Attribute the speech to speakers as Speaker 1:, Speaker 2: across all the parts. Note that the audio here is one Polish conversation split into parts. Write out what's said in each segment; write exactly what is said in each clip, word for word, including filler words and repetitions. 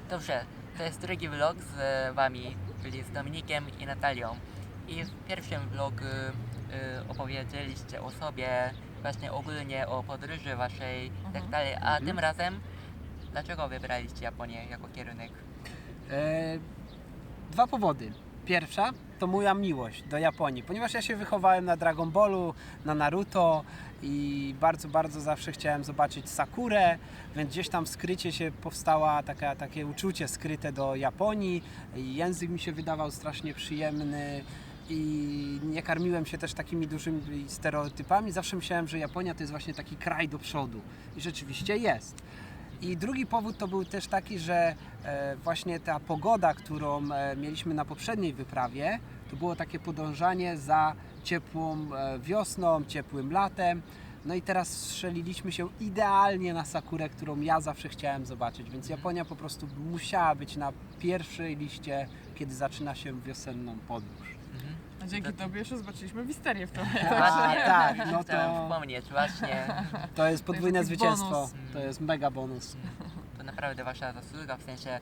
Speaker 1: Dobrze, to jest drugi vlog z wami, czyli z Dominikiem i Natalią. I w pierwszym vlogu y, opowiedzieliście o sobie, właśnie ogólnie o podróży waszej i tak
Speaker 2: Mhm.
Speaker 1: dalej, a tym razem dlaczego wybraliście Japonię jako kierunek?
Speaker 3: E, dwa powody. Pierwsza to moja miłość do Japonii, ponieważ ja się wychowałem na Dragon Ballu, na Naruto i bardzo, bardzo zawsze chciałem zobaczyć Sakurę, więc gdzieś tam w skrycie się powstała taka, takie uczucie skryte do Japonii i język mi się wydawał strasznie przyjemny i nie karmiłem się też takimi dużymi stereotypami. Zawsze myślałem, że Japonia to jest właśnie taki kraj do przodu i rzeczywiście jest. I drugi powód to był też taki, że e, właśnie ta pogoda, którą e, mieliśmy na poprzedniej wyprawie, to było takie podążanie za ciepłą e, wiosną, ciepłym latem. No i teraz strzeliliśmy się idealnie na Sakurę, którą ja zawsze chciałem zobaczyć, więc Japonia po prostu musiała być na pierwszej liście, kiedy zaczyna się wiosenną podróż.
Speaker 1: Mhm.
Speaker 2: A dzięki
Speaker 1: To-
Speaker 2: tobie jeszcze zobaczyliśmy Wisterię w tym.
Speaker 1: Właśnie,
Speaker 3: tak, no
Speaker 1: chciałem
Speaker 3: to-
Speaker 1: wspomnieć, właśnie,
Speaker 3: To jest podwójne
Speaker 2: taki
Speaker 3: zwycięstwo,
Speaker 2: bonus.
Speaker 3: to jest mega bonus.
Speaker 1: to naprawdę wasza zasługa, w sensie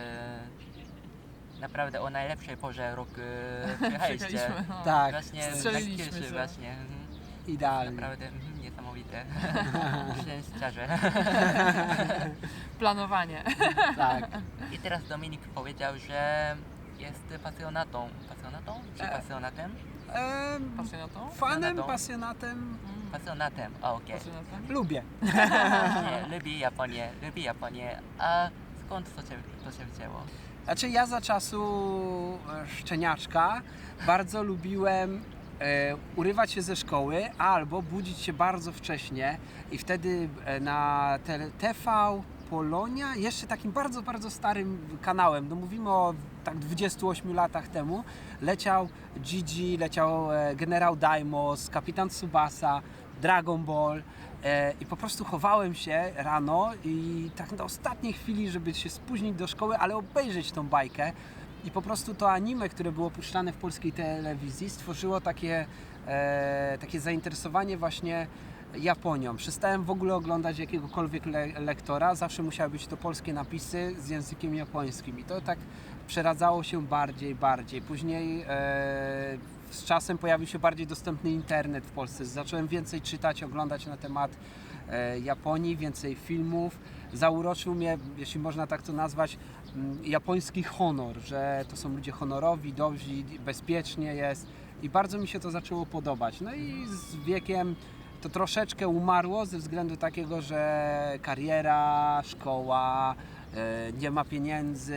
Speaker 1: y, naprawdę o najlepszej porze roku y, przyjechaliście.
Speaker 2: Czekaliśmy, no.
Speaker 3: Tak,
Speaker 1: Właśnie na
Speaker 2: Strzeliliśmy
Speaker 1: Kyushu,
Speaker 2: się.
Speaker 1: właśnie. Mhm.
Speaker 3: idealnie.
Speaker 1: Naprawdę mhm, niesamowite. Szczęściarze.
Speaker 2: Planowanie.
Speaker 3: Tak.
Speaker 1: I teraz Dominik powiedział, że jest pasjonatą. Pasjonatą? Czy
Speaker 3: E.
Speaker 1: pasjonatem?
Speaker 3: Em,
Speaker 2: Pasjonatą?
Speaker 3: fanem,
Speaker 1: Pasjonatą.
Speaker 3: pasjonatem,
Speaker 2: Mm.
Speaker 1: Pasjonatem, a okej.
Speaker 2: Pasjonatem?
Speaker 3: lubię.
Speaker 1: Nie, lubi Japonię, lubi Japonię. A skąd to się, to się wzięło?
Speaker 3: Znaczy ja za czasu e, szczeniaczka bardzo lubiłem e, urywać się ze szkoły albo budzić się bardzo wcześnie i wtedy e, na te, T V Polonia, jeszcze takim bardzo, bardzo starym kanałem, no mówimy o tak dwudziestu ośmiu latach temu, leciał Gigi, leciał e, Generał Daimos, Kapitan Tsubasa, Dragon Ball. E, I po prostu chowałem się rano i tak na ostatniej chwili, żeby się spóźnić do szkoły, ale obejrzeć tą bajkę. I po prostu to anime, które było puszczane w polskiej telewizji, stworzyło takie, e, takie zainteresowanie właśnie Japonią. Przestałem w ogóle oglądać jakiegokolwiek le lektora, zawsze musiały być to polskie napisy z językiem japońskim. I to tak przeradzało się bardziej, bardziej. Później e, z czasem pojawił się bardziej dostępny internet w Polsce. Zacząłem więcej czytać, oglądać na temat e, Japonii, więcej filmów. Zauroczył mnie, jeśli można tak to nazwać, m, japoński honor, że to są ludzie honorowi, dobrzy, bezpiecznie jest i bardzo mi się to zaczęło podobać. No i z wiekiem to troszeczkę umarło ze względu takiego, że kariera, szkoła, e, nie ma pieniędzy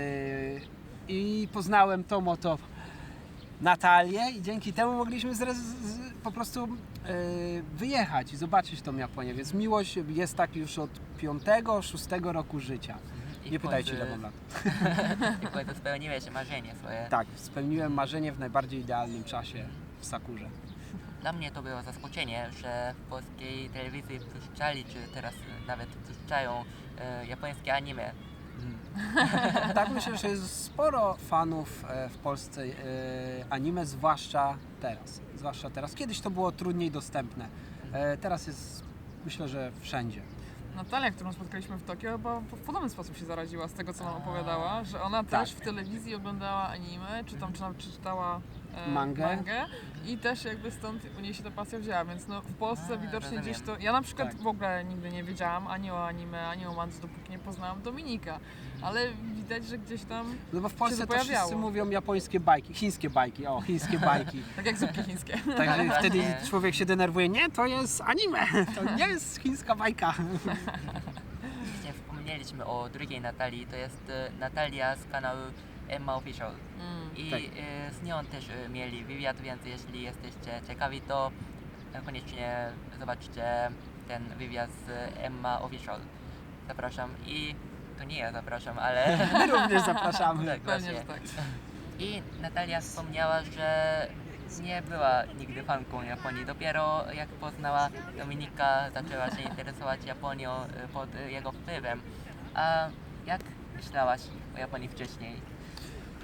Speaker 3: i poznałem tą oto Natalię i dzięki temu mogliśmy zrez- z, po prostu e, wyjechać i zobaczyć tą Japonię, więc miłość jest tak już od piątego, szóstego roku życia.
Speaker 1: I
Speaker 3: Nie
Speaker 1: w
Speaker 3: pytajcie
Speaker 1: końcu-
Speaker 3: ile mam lat.
Speaker 1: I w końcu spełniłeś marzenie swoje.
Speaker 3: Tak, spełniłem marzenie w najbardziej idealnym czasie w Sakurze.
Speaker 1: Dla mnie to było zaskoczenie, że w polskiej telewizji puszczali, czy teraz nawet puszczają e, japońskie anime.
Speaker 3: Tak, myślę, że jest sporo fanów e, w Polsce e, anime, zwłaszcza teraz. Zwłaszcza teraz. Kiedyś to było trudniej dostępne. E, Teraz jest, myślę, że wszędzie.
Speaker 2: Natalia, którą spotkaliśmy w Tokio, chyba w podobny sposób się zaraziła z tego, co nam
Speaker 1: A.
Speaker 2: opowiadała, że ona
Speaker 3: Tak.
Speaker 2: też w telewizji oglądała anime, czy tam, czy tam czy czytała e,
Speaker 3: Mangę.
Speaker 2: mangę i też jakby stąd u niej się ta pasja wzięła, więc no w Polsce
Speaker 1: A,
Speaker 2: widocznie
Speaker 1: rozumiem.
Speaker 2: gdzieś to... Ja na przykład
Speaker 3: Tak.
Speaker 2: w ogóle nigdy nie wiedziałam ani o anime, ani o mandze, dopóki nie poznałam Dominika, ale widać, że gdzieś tam,
Speaker 3: No bo w
Speaker 2: Się
Speaker 3: Polsce
Speaker 2: to
Speaker 3: to wszyscy
Speaker 2: pojawiało.
Speaker 3: mówią japońskie bajki, chińskie bajki, o, chińskie bajki.
Speaker 2: tak jak zupki chińskie.
Speaker 3: Także
Speaker 1: Właśnie.
Speaker 3: wtedy człowiek się denerwuje, nie, to jest anime, to nie jest chińska bajka.
Speaker 1: Właśnie wspomnieliśmy o drugiej Natalii, to jest e, Natalia z kanału Emma Official.
Speaker 2: Mm.
Speaker 1: I
Speaker 3: Tak.
Speaker 1: e, z nią też e, mieli wywiad, więc jeśli jesteście ciekawi, to e, koniecznie zobaczcie ten wywiad z Emma Official. Zapraszam i to nie ja zapraszam, ale
Speaker 3: My również zapraszamy.
Speaker 1: tak,
Speaker 2: Pewnie,
Speaker 1: właśnie.
Speaker 2: że tak.
Speaker 1: I Natalia wspomniała, że nie była nigdy fanką Japonii. Dopiero jak poznała Dominika, zaczęła się interesować Japonią e, pod e, jego wpływem. A jak myślałaś o Japonii wcześniej?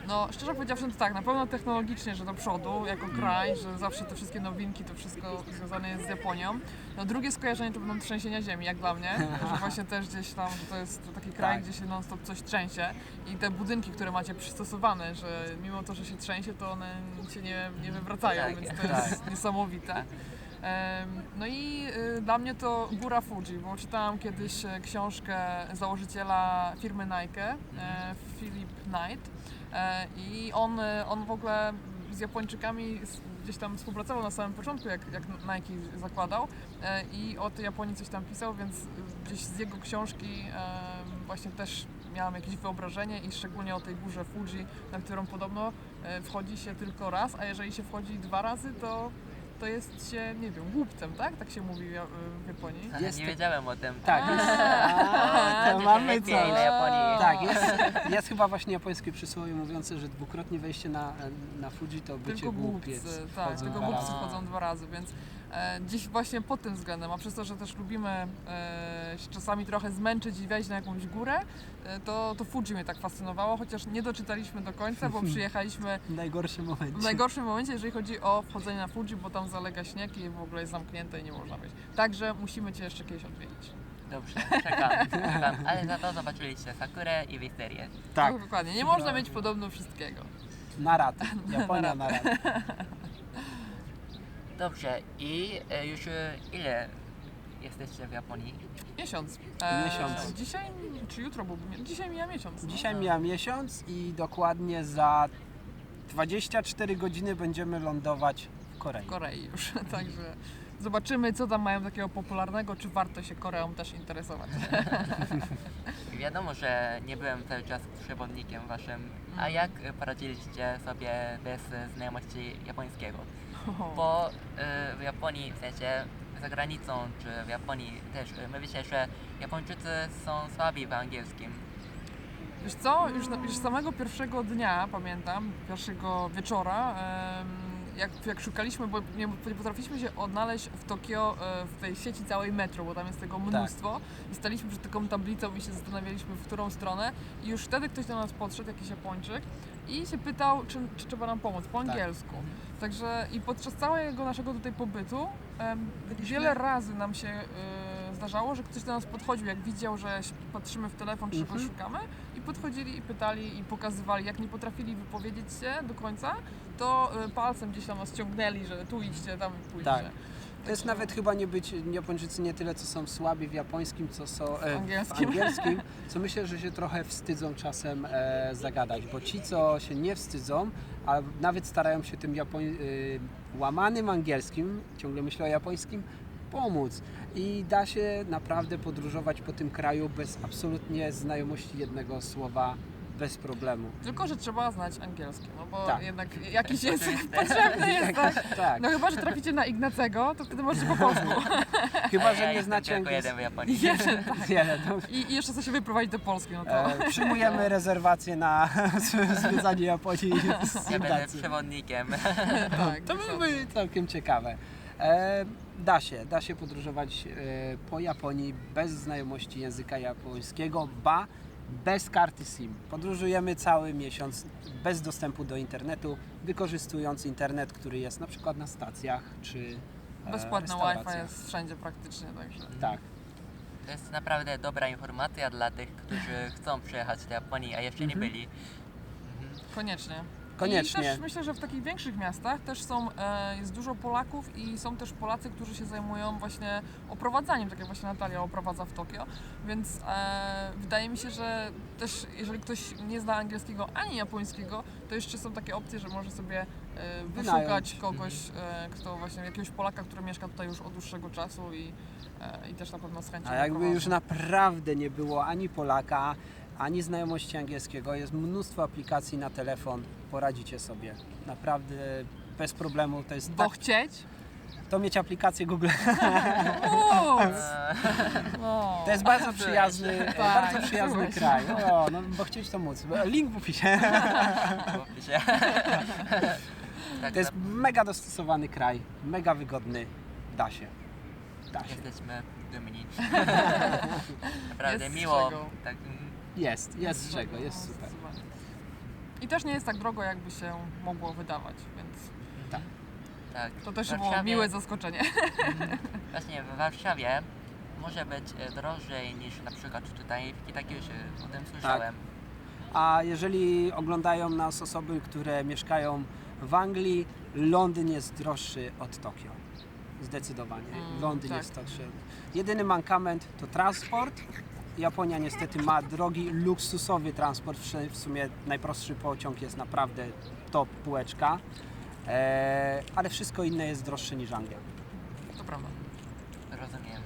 Speaker 2: No, szczerze powiedziawszy, to tak, na pewno technologicznie, że do przodu, jako kraj, że zawsze te wszystkie nowinki, to wszystko związane jest z Japonią. No, drugie skojarzenie to będą trzęsienia ziemi, jak dla mnie, że właśnie też gdzieś tam, że to jest taki kraj,
Speaker 3: Tak.
Speaker 2: gdzie się non stop coś trzęsie i te budynki, które macie przystosowane, że mimo to, że się trzęsie, to one się nie, nie wywracają,
Speaker 1: Tak,
Speaker 2: więc to jest niesamowite. Em, No i y, dla mnie to góra Fuji, bo czytałam kiedyś e, książkę założyciela firmy Nike, e, Philip Knight, e, i on, e, on w ogóle z Japończykami s- gdzieś tam współpracował na samym początku, jak, jak Nike zakładał, e, i o tej Japonii coś tam pisał, więc y, gdzieś z jego książki e, właśnie też miałam jakieś wyobrażenie i szczególnie o tej górze Fuji, na którą podobno e, wchodzi się tylko raz, a jeżeli się wchodzi dwa razy, to to jest się, nie wiem, głupcem, tak? Tak się mówi w Ja- w Japonii.
Speaker 1: Ale
Speaker 3: Jest
Speaker 1: nie
Speaker 3: to-
Speaker 1: wiedziałem o tym.
Speaker 3: Tak, jest,
Speaker 2: A,
Speaker 3: a, to
Speaker 1: Coś
Speaker 3: mamy
Speaker 1: lepiej
Speaker 3: coś.
Speaker 1: na Japonii.
Speaker 3: Tak, jest, jest chyba właśnie japońskie przysłowie mówiące, że dwukrotnie wejście na, na Fuji to bycie
Speaker 2: Tylko
Speaker 3: głupiec.
Speaker 2: głupcy, tak,
Speaker 3: Wchodzą
Speaker 2: tylko
Speaker 3: dwa
Speaker 2: głupcy
Speaker 3: razy.
Speaker 2: wchodzą dwa razy, więc e, dziś właśnie pod tym względem, a przez to, że też lubimy e, się czasami trochę zmęczyć i wejść na jakąś górę, e, to, to Fuji mnie tak fascynowało, chociaż nie doczytaliśmy do końca, bo przyjechaliśmy
Speaker 3: W najgorszym momencie.
Speaker 2: w najgorszym momencie, jeżeli chodzi o wchodzenie na Fuji, bo tam zalega śnieg i w ogóle jest zamknięte i nie można wejść. Także musimy Cię jeszcze kiedyś odwiedzić.
Speaker 1: Dobrze, czekam, czekam. Ale za to zobaczyliście Sakurę i Wisterię.
Speaker 3: Tak,
Speaker 2: No, dokładnie, nie można mieć podobno wszystkiego.
Speaker 3: na ratę. Japonia na ratę.
Speaker 1: Dobrze, i e, już e, ile jesteście w Japonii?
Speaker 2: Miesiąc.
Speaker 3: Miesiąc.
Speaker 2: Dzisiaj czy jutro byłby? mi- Dzisiaj mija miesiąc. No.
Speaker 3: Dzisiaj mija miesiąc i dokładnie za dwadzieścia cztery godziny będziemy lądować w Korei.
Speaker 2: W Korei już, także zobaczymy, co tam mają takiego popularnego, czy warto się Koreą też interesować.
Speaker 1: Wiadomo, że nie byłem cały czas przewodnikiem waszym, a
Speaker 2: Mhm.
Speaker 1: jak e, poradziliście sobie bez e, znajomości japońskiego? Bo e, w Japonii, w sensie za granicą, czy w Japonii też, e, my wiecie, że Japończycy są słabi w angielskim.
Speaker 2: Wiesz co, już, na, już samego pierwszego dnia, pamiętam, pierwszego wieczora, em, jak, jak szukaliśmy, bo nie, nie potrafiliśmy się odnaleźć w Tokio, e, w tej sieci całej metro, bo tam jest tego mnóstwo, i staliśmy przed taką tablicą i się zastanawialiśmy, w którą stronę, i już wtedy ktoś do nas podszedł, jakiś Japończyk, i się pytał, czy, czy trzeba nam pomóc po angielsku. Także i podczas całego naszego tutaj pobytu em, wiele razy nam się e, zdarzało, że ktoś do nas podchodził, jak widział, że się- patrzymy w telefon, czy czegoś
Speaker 3: Mhm.
Speaker 2: szukamy, i podchodzili i pytali i pokazywali. Jak nie potrafili wypowiedzieć się do końca, to e, palcem gdzieś tam nas ciągnęli, że tu idźcie, tam pójdźcie.
Speaker 3: Tak. To jest nawet chyba nie być Japończycy nie tyle co są słabi w japońskim, co są e,
Speaker 2: angielskim.
Speaker 3: w angielskim, co myślę, że się trochę wstydzą czasem e, zagadać, bo ci, co się nie wstydzą, a nawet starają się tym Japoń, e, łamanym angielskim, ciągle myślę o japońskim, pomóc. I da się naprawdę podróżować po tym kraju bez absolutnie znajomości jednego słowa, bez problemu.
Speaker 2: Tylko, że trzeba znać angielski, no bo
Speaker 3: Tak.
Speaker 2: jednak jakiś język
Speaker 1: Oczywiste.
Speaker 2: potrzebny jest, tak?
Speaker 3: Tak,
Speaker 2: No chyba, że traficie na Ignacego, to wtedy możecie po polsku.
Speaker 3: chyba,
Speaker 1: A
Speaker 3: że
Speaker 1: ja
Speaker 3: nie
Speaker 1: jestem
Speaker 3: znacie
Speaker 1: tylko jeden
Speaker 3: angielskiego.
Speaker 1: w Japonii.
Speaker 2: Jeden, tak.
Speaker 3: Nie, no,
Speaker 2: I, I jeszcze chce się wyprowadzić do Polski, no to...
Speaker 3: E, przyjmujemy rezerwację na zwiedzanie Japonii z
Speaker 1: Ja będę
Speaker 3: Ignacy.
Speaker 1: przewodnikiem.
Speaker 2: tak,
Speaker 3: To
Speaker 2: dokładnie.
Speaker 3: byłoby całkiem ciekawe. E, da się, da się podróżować e, po Japonii bez znajomości języka japońskiego, ba bez karty SIM. Podróżujemy cały miesiąc bez dostępu do internetu, wykorzystując internet, który jest na przykład na stacjach czy e,
Speaker 2: Bezpłatne
Speaker 3: restauracjach.
Speaker 2: Wi-Fi jest wszędzie praktycznie, także...
Speaker 3: Tak.
Speaker 1: To jest naprawdę dobra informacja dla tych, którzy chcą przyjechać do Japonii, a jeszcze nie
Speaker 3: Mhm.
Speaker 1: byli. Mhm.
Speaker 2: Koniecznie.
Speaker 3: Koniecznie.
Speaker 2: I też myślę, że w takich większych miastach też są, e, jest dużo Polaków i są też Polacy, którzy się zajmują właśnie oprowadzaniem, tak jak właśnie Natalia oprowadza w Tokio, więc e, wydaje mi się, że też jeżeli ktoś nie zna angielskiego ani japońskiego, to jeszcze są takie opcje, że może sobie e, wyszukać
Speaker 3: Wynająć.
Speaker 2: kogoś, e, kto właśnie, jakiegoś Polaka, który mieszka tutaj już od dłuższego czasu i, e, i też na pewno z chęcią
Speaker 3: A jakby
Speaker 2: oprowadza.
Speaker 3: już naprawdę nie było ani Polaka, ani znajomości angielskiego, jest mnóstwo aplikacji na telefon, poradzicie sobie. Naprawdę bez problemu. To jest
Speaker 2: Bo
Speaker 3: tak,
Speaker 2: chcieć?
Speaker 3: to mieć aplikację Google.
Speaker 2: Mów!
Speaker 1: Eee,
Speaker 2: No.
Speaker 3: To jest bardzo przyjazny,
Speaker 2: Tak,
Speaker 3: bardzo przyjazny
Speaker 2: słuchaj.
Speaker 3: kraj. O, no, bo chcieć to móc. Link w opisie.
Speaker 1: mówmy się. Tak,
Speaker 3: To jest mega dostosowany kraj, mega wygodny. Da się. Da się.
Speaker 1: jesteśmy dumni. Naprawdę
Speaker 2: Jest z
Speaker 1: miło.
Speaker 2: czego.
Speaker 1: Tak, mm,
Speaker 3: Jest, jest z czego, jest super.
Speaker 2: Zdecydowanie. I też nie jest tak drogo, jakby się mogło wydawać, więc
Speaker 3: Tak.
Speaker 1: Tak.
Speaker 2: to też
Speaker 1: W
Speaker 2: było
Speaker 1: Warszawie-
Speaker 2: miłe zaskoczenie.
Speaker 1: Właśnie w Warszawie może być e, drożej niż na przykład tutaj w Kitakyushu, o tym słyszałem.
Speaker 3: A jeżeli oglądają nas osoby, które mieszkają w Anglii, Londyn jest droższy od Tokio. Zdecydowanie.
Speaker 2: Mm,
Speaker 3: Londyn
Speaker 2: tak.
Speaker 3: jest droższy. Jedyny mankament to transport. Japonia niestety ma drogi, luksusowy transport. W w sumie najprostszy pociąg jest naprawdę top półeczka. Eee, ale wszystko inne jest droższe niż Anglia.
Speaker 2: To prawda.
Speaker 1: Rozumiem.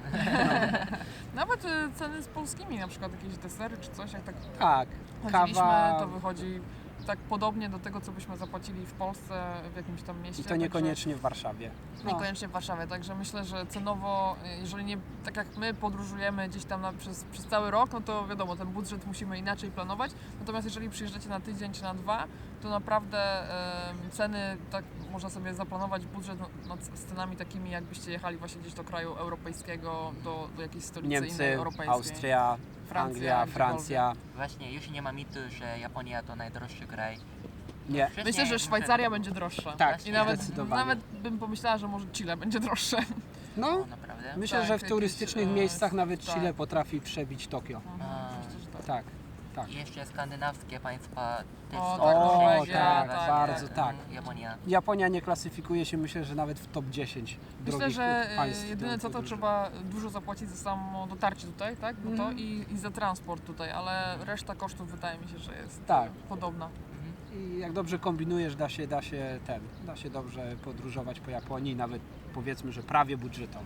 Speaker 2: Nawet y, ceny z polskimi, na przykład jakieś desery czy coś, jak tak
Speaker 3: Tak,
Speaker 2: chodziliśmy,
Speaker 3: kawa
Speaker 2: to wychodzi tak podobnie do tego, co byśmy zapłacili w Polsce, w jakimś tam mieście.
Speaker 3: i to
Speaker 2: także-
Speaker 3: niekoniecznie w Warszawie. No.
Speaker 2: Niekoniecznie w Warszawie, także myślę, że cenowo, y, jeżeli nie, tak jak my podróżujemy gdzieś tam na, przez, przez cały rok, no to wiadomo, ten budżet musimy inaczej planować, natomiast jeżeli przyjeżdżacie na tydzień czy na dwa, to naprawdę em, ceny, tak można sobie zaplanować budżet no, no, z cenami takimi, jakbyście jechali właśnie gdzieś do kraju europejskiego, do, do jakiejś stolicy innej
Speaker 3: Niemcy,
Speaker 2: europejskiej.
Speaker 3: Austria,
Speaker 2: Francja,
Speaker 3: Anglia,
Speaker 2: gdziekolwiek.
Speaker 3: Francja.
Speaker 1: Właśnie już nie ma mitu, że Japonia to najdroższy kraj.
Speaker 3: Nie,
Speaker 1: Wcześniej
Speaker 2: Myślę, że
Speaker 1: muszę-
Speaker 2: Szwajcaria będzie droższa.
Speaker 3: tak,
Speaker 2: I nawet,
Speaker 3: zdecydowanie.
Speaker 2: nawet bym pomyślała, że może Chile będzie droższe.
Speaker 3: No,
Speaker 1: O, naprawdę?
Speaker 3: myślę,
Speaker 2: Tak,
Speaker 3: że w
Speaker 2: jakieś,
Speaker 3: turystycznych
Speaker 2: e,
Speaker 3: miejscach nawet
Speaker 2: tak.
Speaker 3: Chile potrafi przebić Tokio.
Speaker 1: A.
Speaker 2: Myślę, że tak.
Speaker 3: Tak, tak.
Speaker 1: I jeszcze skandynawskie państwa też
Speaker 2: O,
Speaker 1: są
Speaker 2: tak,
Speaker 1: droższe
Speaker 2: Norwegia,
Speaker 1: niż
Speaker 2: tak,
Speaker 1: właśnie,
Speaker 3: bardzo
Speaker 1: mm,
Speaker 3: tak.
Speaker 1: Japonia.
Speaker 3: Japonia nie klasyfikuje się, myślę, że nawet w top dziesięć
Speaker 2: Myślę,
Speaker 3: drogich
Speaker 2: że e,
Speaker 3: państw.
Speaker 2: jedyne
Speaker 3: do
Speaker 2: co to
Speaker 3: podróży.
Speaker 2: trzeba dużo zapłacić za samo dotarcie tutaj, tak? Bo to
Speaker 3: Mhm.
Speaker 2: i, i za transport tutaj, ale reszta kosztów wydaje mi się, że jest
Speaker 3: Tak.
Speaker 2: e, podobna.
Speaker 3: I jak dobrze kombinujesz, da się, da się ten, da się dobrze podróżować po Japonii, nawet powiedzmy, że prawie budżetowo.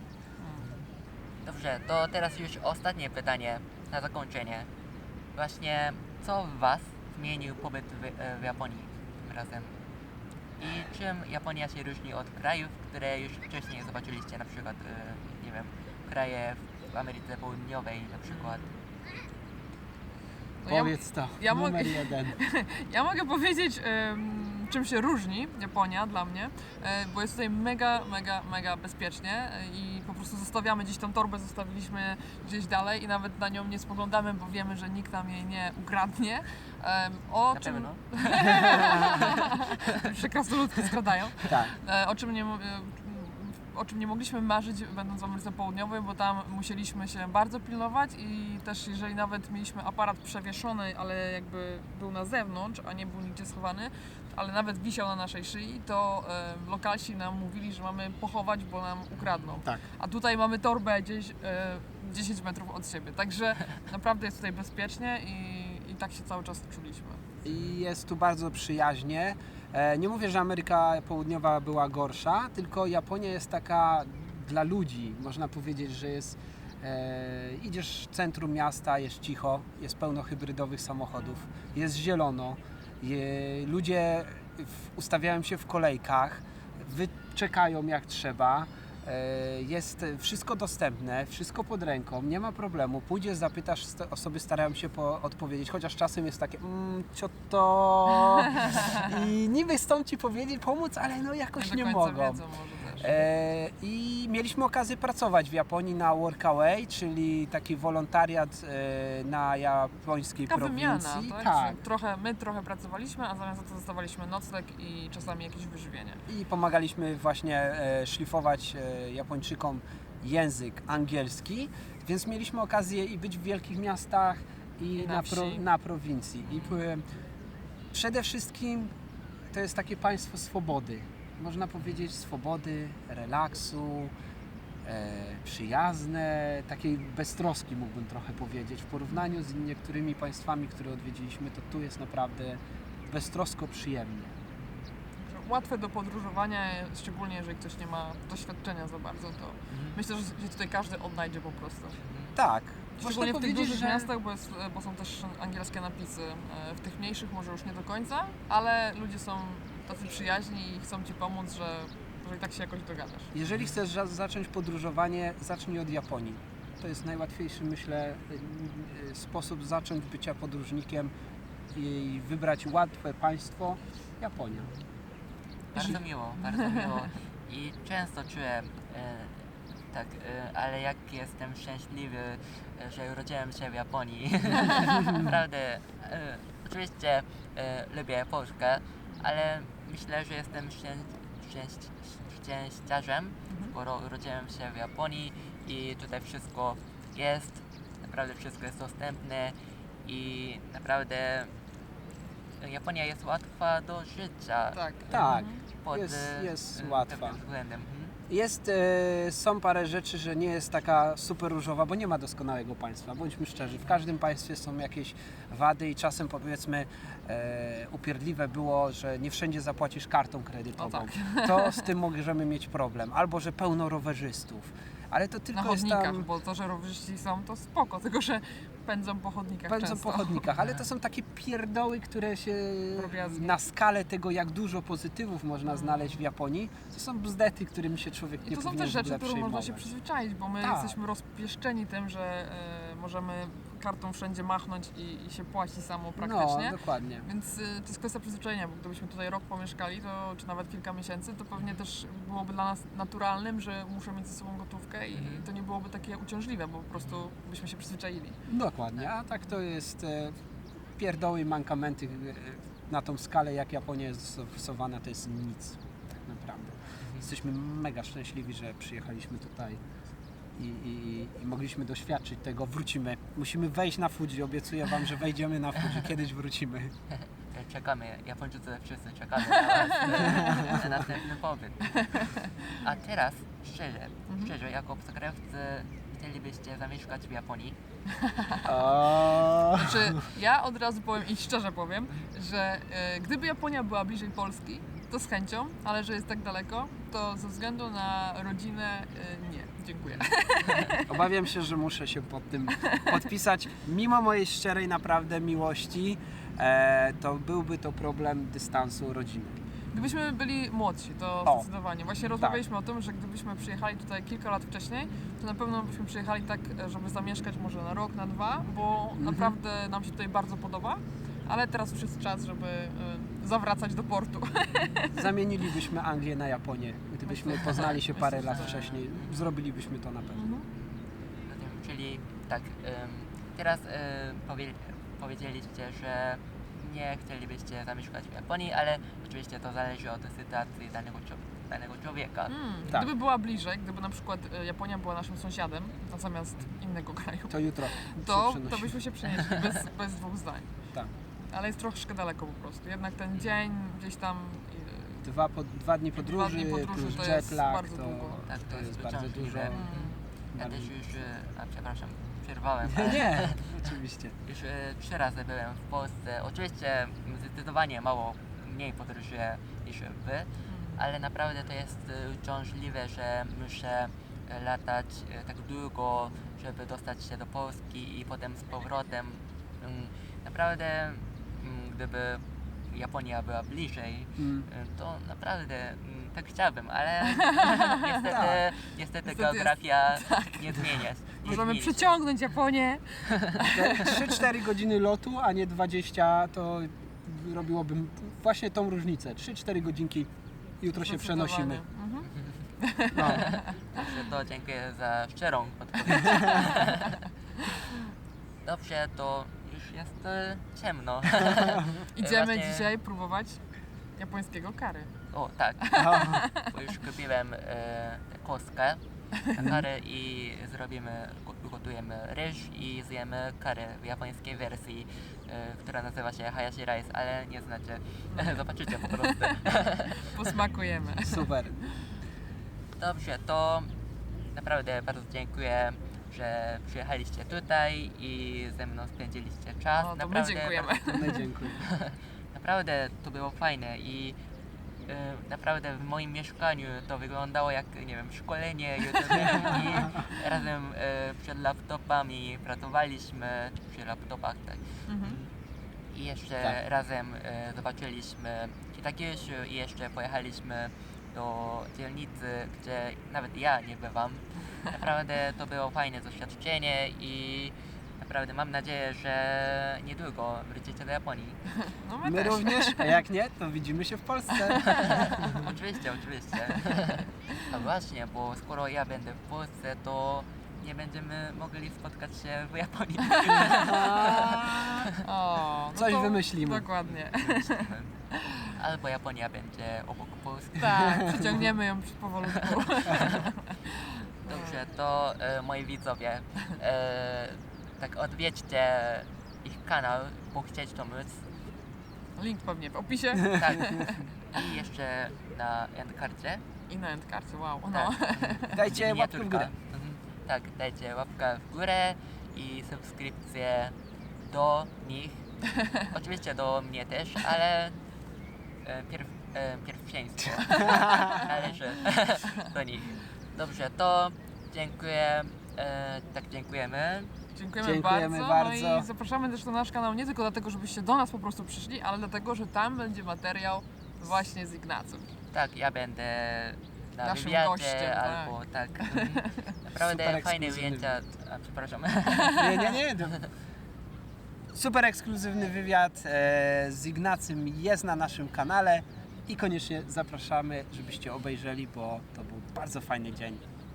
Speaker 1: Dobrze, to teraz już ostatnie pytanie na zakończenie. Właśnie, co w Was zmienił pobyt w, e, w Japonii tym razem? I czym Japonia się różni od krajów, które już wcześniej zobaczyliście, na przykład, e, nie wiem, kraje w Ameryce Południowej na przykład?
Speaker 2: No ja,
Speaker 3: Powiedz to,
Speaker 2: ja mogę-
Speaker 3: numer jeden.
Speaker 2: ja mogę powiedzieć, em, czym się różni Japonia dla mnie, e, bo jest tutaj mega, mega, mega bezpiecznie e, i po prostu zostawiamy gdzieś tą torbę, zostawiliśmy gdzieś dalej i nawet na nią nie spoglądamy, bo wiemy, że nikt nam jej nie ukradnie. Em, o
Speaker 1: Na
Speaker 2: czym
Speaker 1: pewno?
Speaker 2: się krasnoludki skradają.
Speaker 3: Tak.
Speaker 2: E, o czym nie, mo- e, o czym nie mogliśmy marzyć, będąc w Ameryce Południowej, bo tam musieliśmy się bardzo pilnować i też jeżeli nawet mieliśmy aparat przewieszony, ale jakby był na zewnątrz, a nie był nigdzie schowany, ale nawet wisiał na naszej szyi, to e, lokalsi nam mówili, że mamy pochować, bo nam ukradną.
Speaker 3: Tak.
Speaker 2: A tutaj mamy torbę gdzieś e, dziesięć metrów od siebie, także naprawdę jest tutaj bezpiecznie i, i tak się cały czas czuliśmy.
Speaker 3: I jest tu bardzo przyjaźnie. E, Nie mówię, że Ameryka Południowa była gorsza, tylko Japonia jest taka dla ludzi. Można powiedzieć, że jest. E, idziesz w centrum miasta, jest cicho, jest pełno hybrydowych samochodów, jest zielono. Je, ludzie w, ustawiają się w kolejkach, wyczekają jak trzeba. E, Jest wszystko dostępne, wszystko pod ręką, nie ma problemu. Pójdziesz, zapytasz, st- osoby starają się po- odpowiedzieć, chociaż czasem jest takie mm, cio to i niby chcą ci powiedzieć, pomóc, ale no jakoś
Speaker 2: do
Speaker 3: nie
Speaker 2: końca
Speaker 3: mogą.
Speaker 2: wiedzą może też.
Speaker 3: E, I mieliśmy okazję pracować w Japonii na Workaway, czyli taki wolontariat e, na japońskiej
Speaker 2: Taka
Speaker 3: prowincji.
Speaker 2: wymiana, tak?
Speaker 3: tak.
Speaker 2: Że Trochę, my trochę pracowaliśmy, a zamiast za to dostawaliśmy nocleg i czasami jakieś wyżywienie.
Speaker 3: I pomagaliśmy właśnie e, szlifować e, Japończykom język angielski, więc mieliśmy okazję i być w wielkich miastach i,
Speaker 2: I na
Speaker 3: na, pro,
Speaker 2: wsi.
Speaker 3: na prowincji. I byłem, przede wszystkim to jest takie państwo swobody. Można powiedzieć swobody, relaksu, e, przyjazne, takiej beztroski mógłbym trochę powiedzieć. W porównaniu z niektórymi państwami, które odwiedziliśmy, to tu jest naprawdę beztrosko przyjemnie.
Speaker 2: Także łatwe do podróżowania, szczególnie jeżeli ktoś nie ma doświadczenia za bardzo, to myślę, że się tutaj każdy odnajdzie po prostu.
Speaker 3: Tak.
Speaker 2: Szczególnie
Speaker 3: Można
Speaker 2: w tych
Speaker 3: powiedzieć,
Speaker 2: dużych
Speaker 3: że-
Speaker 2: miastach, bo, jest, bo są też angielskie napisy. E, W tych mniejszych może już nie do końca, ale ludzie są tacy przyjaźni i chcą Ci pomóc, że, że i tak się jakoś dogadasz.
Speaker 3: Jeżeli chcesz za- zacząć podróżowanie, zacznij od Japonii. To jest najłatwiejszy, myślę, y, y, sposób zacząć bycia podróżnikiem i wybrać łatwe państwo. Japonia.
Speaker 1: Bardzo miło, bardzo miło. I często czułem, e, tak, e, ale jak jestem szczęśliwy, e, że urodziłem się w Japonii. Naprawdę, e, oczywiście e, lubię Polskę, ale myślę, że jestem szczę, szczęś, szczęściarzem,
Speaker 2: Mhm.
Speaker 1: skoro urodziłem się w Japonii i tutaj wszystko jest, naprawdę wszystko jest dostępne i naprawdę Japonia jest łatwa do życia.
Speaker 2: Tak.
Speaker 3: Tak.
Speaker 2: Mhm.
Speaker 1: Pod,
Speaker 3: Jest-
Speaker 1: e,
Speaker 3: jest
Speaker 1: e,
Speaker 3: łatwa.
Speaker 1: pewnym względem. Mhm.
Speaker 3: Jest, e, są parę rzeczy, że nie jest taka super różowa, bo nie ma doskonałego państwa, bądźmy szczerzy. W każdym państwie są jakieś wady i czasem powiedzmy e, upierdliwe było, że nie wszędzie zapłacisz kartą kredytową.
Speaker 2: O tak.
Speaker 3: To z tym możemy mieć problem. Albo, że pełno rowerzystów. Ale to
Speaker 2: Na
Speaker 3: tylko jest
Speaker 2: chodnikach,
Speaker 3: tam...
Speaker 2: bo to, że rowerzyści są, to spoko, tylko że pędzą po chodnikach
Speaker 3: Pędzą
Speaker 2: często.
Speaker 3: po chodnikach, ale to są takie pierdoły, które się
Speaker 2: Drobiazgi.
Speaker 3: na skalę tego, jak dużo pozytywów można znaleźć w Japonii, to są bzdety, którymi się człowiek
Speaker 2: I
Speaker 3: nie
Speaker 2: to są
Speaker 3: powinien
Speaker 2: też
Speaker 3: w ogóle
Speaker 2: rzeczy, które można się
Speaker 3: przejmować.
Speaker 2: przyzwyczaić, bo my
Speaker 3: Tak.
Speaker 2: jesteśmy rozpieszczeni tym, że e, możemy kartą wszędzie machnąć i, i się płaci samo praktycznie.
Speaker 3: No, dokładnie.
Speaker 2: Więc y, to jest kwestia przyzwyczajenia, bo gdybyśmy tutaj rok pomieszkali, to, czy nawet kilka miesięcy, to pewnie też byłoby dla nas naturalnym, że muszę mieć ze sobą gotówkę i
Speaker 1: Mhm.
Speaker 2: to nie byłoby takie uciążliwe, bo po prostu byśmy się przyzwyczaili.
Speaker 3: Dokładnie, a tak to jest e, pierdoły i mankamenty e, na tą skalę, jak Japonia jest zastosowana, to jest nic tak naprawdę. Jesteśmy mega szczęśliwi, że przyjechaliśmy tutaj i, i, i mogliśmy doświadczyć tego. Wrócimy. Musimy wejść na Fuji, obiecuję Wam, że wejdziemy na Fuji, kiedyś wrócimy.
Speaker 1: Czekamy, Japończycy wszyscy czekamy na was, e, na następny pobyt. A teraz, szczerze,
Speaker 2: Mhm.
Speaker 1: szczerze, jako obcokrajowcy chcielibyście zamieszkać w Japonii?
Speaker 3: O,
Speaker 2: Znaczy, ja od razu powiem i szczerze powiem, że e, gdyby Japonia była bliżej Polski, to z chęcią, ale że jest tak daleko, to ze względu na rodzinę e, nie. Dziękuję.
Speaker 3: Obawiam się, że muszę się pod tym podpisać. Mimo mojej szczerej naprawdę miłości, e, to byłby to problem dystansu rodziny.
Speaker 2: Gdybyśmy byli młodsi, to
Speaker 3: O.
Speaker 2: zdecydowanie. Właśnie rozmawialiśmy o tym, że gdybyśmy przyjechali tutaj kilka lat wcześniej, to na pewno byśmy przyjechali tak, żeby zamieszkać może na rok, na dwa, bo
Speaker 3: Mhm.
Speaker 2: naprawdę nam się tutaj bardzo podoba, ale teraz już jest czas, żeby y, zawracać do portu.
Speaker 3: Zamienilibyśmy Anglię na Japonię. Gdybyśmy
Speaker 2: Myślę,
Speaker 3: poznali się parę
Speaker 2: myślę,
Speaker 3: lat
Speaker 2: że-
Speaker 3: wcześniej, zrobilibyśmy to na pewno.
Speaker 2: Mhm.
Speaker 1: Zatem, czyli tak, em, teraz em, powie, powiedzieliście, że nie chcielibyście zamieszkać w Japonii, ale oczywiście to zależy od sytuacji danego, czł- danego człowieka.
Speaker 2: Mm,
Speaker 3: Tak.
Speaker 2: Gdyby była bliżej, gdyby na przykład y, Japonia była naszym sąsiadem, zamiast innego kraju,
Speaker 3: To jutro
Speaker 2: to,
Speaker 3: się
Speaker 2: to
Speaker 3: przenosimy.
Speaker 2: byśmy się przenieśli bez, bez dwóch zdań.
Speaker 3: Tak.
Speaker 2: Ale jest troszkę daleko po prostu. Jednak ten dzień gdzieś tam y,
Speaker 3: Dwa, po, dwa dni podróży,
Speaker 2: dni podróży
Speaker 3: plus
Speaker 2: to jest
Speaker 3: jetlag,
Speaker 2: bardzo
Speaker 3: to,
Speaker 2: długo.
Speaker 1: Tak,
Speaker 3: to
Speaker 1: to jest
Speaker 3: jest bardzo
Speaker 1: uciążliwe.
Speaker 3: dużo.
Speaker 2: mm,
Speaker 1: Ja
Speaker 3: Bardzo-
Speaker 1: też już, e, a przepraszam, przerwałem,
Speaker 3: Nie,
Speaker 1: ale
Speaker 3: nie, oczywiście.
Speaker 1: już e, trzy razy byłem w Polsce. Oczywiście zdecydowanie mało mniej podróżuję niż wy,
Speaker 2: mm.
Speaker 1: ale naprawdę to jest e, uciążliwe, że muszę e, latać e, tak długo, żeby dostać się do Polski i potem z powrotem. Mm, Naprawdę, mm, gdyby Japonia była bliżej,
Speaker 3: Mm.
Speaker 1: e, to naprawdę mm, tak chciałbym, ale niestety,
Speaker 3: Tak.
Speaker 1: niestety
Speaker 2: Niestety
Speaker 1: geografia nie zmienia. się- nie
Speaker 2: Możemy
Speaker 1: zmieni się.
Speaker 2: przyciągnąć Japonię.
Speaker 3: Te trzy cztery godziny lotu, a nie dwadzieścia, to robiłobym właśnie tą różnicę. trzy cztery godzinki, jutro się przenosimy.
Speaker 2: Mhm.
Speaker 3: No.
Speaker 1: Dobrze, to dziękuję za szczerą odpowiedź. Dobrze, to już jest e, ciemno.
Speaker 2: Idziemy
Speaker 1: Właśnie-
Speaker 2: dzisiaj próbować japońskiego curry.
Speaker 1: O, tak, bo już kupiłem e, kostkę na curry i zrobimy, go- ugotujemy ryż i zjemy curry w japońskiej wersji, e, która nazywa się hayashi rice, ale nie znacie, zobaczycie po prostu.
Speaker 2: Posmakujemy.
Speaker 3: Super.
Speaker 1: Dobrze, to naprawdę bardzo dziękuję, że przyjechaliście tutaj i ze mną spędziliście czas.
Speaker 2: No, to my
Speaker 1: naprawdę,
Speaker 2: dziękujemy.
Speaker 3: No, dziękuję.
Speaker 1: Naprawdę to było fajne i e, naprawdę w moim mieszkaniu to wyglądało jak, nie wiem, szkolenie youtuberów i razem e, przed laptopami pracowaliśmy, przy laptopach, tak.
Speaker 2: Mhm.
Speaker 1: I jeszcze
Speaker 3: Tak.
Speaker 1: razem e, zobaczyliśmy Kitakyushu i jeszcze pojechaliśmy do dzielnicy, gdzie nawet ja nie bywam. Naprawdę to było fajne doświadczenie i naprawdę mam nadzieję, że niedługo wrócicie do Japonii.
Speaker 2: No my,
Speaker 3: My
Speaker 2: też.
Speaker 3: również, a jak nie, to widzimy się w Polsce.
Speaker 1: Oczywiście, oczywiście. A właśnie, bo skoro ja będę w Polsce, to nie będziemy mogli spotkać się w Japonii.
Speaker 2: O, no
Speaker 3: Coś
Speaker 2: to
Speaker 3: wymyślimy.
Speaker 2: Dokładnie.
Speaker 1: Albo Japonia będzie obok Polski.
Speaker 2: Tak, przyciągniemy ją powolutku.
Speaker 1: Dobrze, to e, moi widzowie, e, tak odwiedźcie ich kanał, bo chcieć to móc.
Speaker 2: Link pewnie w opisie
Speaker 1: Tak. I jeszcze na endcardzie.
Speaker 2: i na endkarcie, wow. No.
Speaker 1: Tak.
Speaker 3: Dajcie łapkę w
Speaker 1: Miniaturka.
Speaker 3: górę.
Speaker 1: Mhm. Tak, dajcie łapkę w górę i subskrypcję do nich. Oczywiście do mnie też, ale e, pierw, e, pierwszeństwo należy do nich. Dobrze, to dziękuję. E, tak, dziękujemy.
Speaker 2: Dziękujemy,
Speaker 3: Dziękujemy
Speaker 2: bardzo.
Speaker 3: bardzo.
Speaker 2: No i zapraszamy też na nasz kanał nie tylko dlatego, żebyście do nas po prostu przyszli, ale dlatego, że tam będzie materiał właśnie z Ignacym.
Speaker 1: Tak, ja będę na
Speaker 2: Naszym
Speaker 1: wywiadzie
Speaker 2: gościem, tak.
Speaker 1: albo tak. mhm. Naprawdę
Speaker 3: Super
Speaker 1: fajne
Speaker 3: ekskluzywny
Speaker 1: ujęcia. A, przepraszam.
Speaker 3: Nie, nie, nie. to- Super ekskluzywny wywiad e, z Ignacym jest na naszym kanale i koniecznie zapraszamy, żebyście obejrzeli, bo to był bardzo fajny dzień.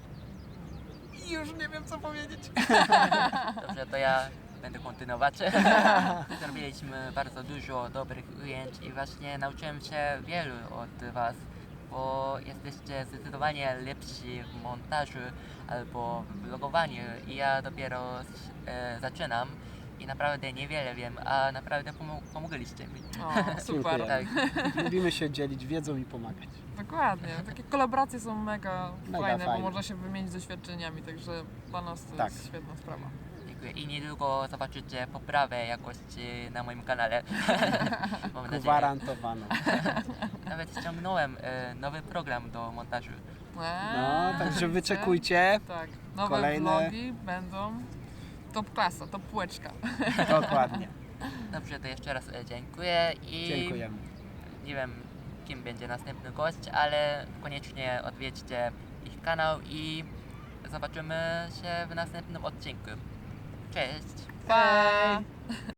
Speaker 3: I już nie wiem, co powiedzieć.
Speaker 1: Dobrze, to ja będę kontynuować. Zrobiliśmy bardzo dużo dobrych ujęć i właśnie nauczyłem się wielu od Was, bo jesteście zdecydowanie lepsi w montażu albo w vlogowaniu i ja dopiero e, zaczynam i naprawdę niewiele wiem, a naprawdę pomo- pomogliście mi.
Speaker 2: O, super.
Speaker 3: Dziękuję.
Speaker 1: Tak,
Speaker 3: Lubimy się dzielić wiedzą i pomagać.
Speaker 2: Dokładnie. Takie kolaboracje są mega,
Speaker 3: Mega
Speaker 2: fajne,
Speaker 3: fajne.
Speaker 2: bo można się wymienić doświadczeniami, także dla nas to
Speaker 3: Tak.
Speaker 2: jest świetna sprawa.
Speaker 1: dziękuję. I niedługo zobaczycie poprawę jakości na moim kanale. Mam nadzieję.
Speaker 3: Gwarantowaną.
Speaker 1: Nawet ściągnąłem e, nowy program do montażu.
Speaker 2: Eee,
Speaker 3: No, także
Speaker 2: widzicie?
Speaker 3: wyczekujcie.
Speaker 2: Tak, nowe
Speaker 3: Kolejne.
Speaker 2: vlogi będą top klasa, top półeczka.
Speaker 3: Dokładnie.
Speaker 1: Dobrze, to jeszcze raz e, dziękuję i
Speaker 3: Dziękujemy.
Speaker 1: nie wiem kim będzie następny gość, ale koniecznie odwiedźcie ich kanał i zobaczymy się w następnym odcinku. Cześć!
Speaker 2: Pa!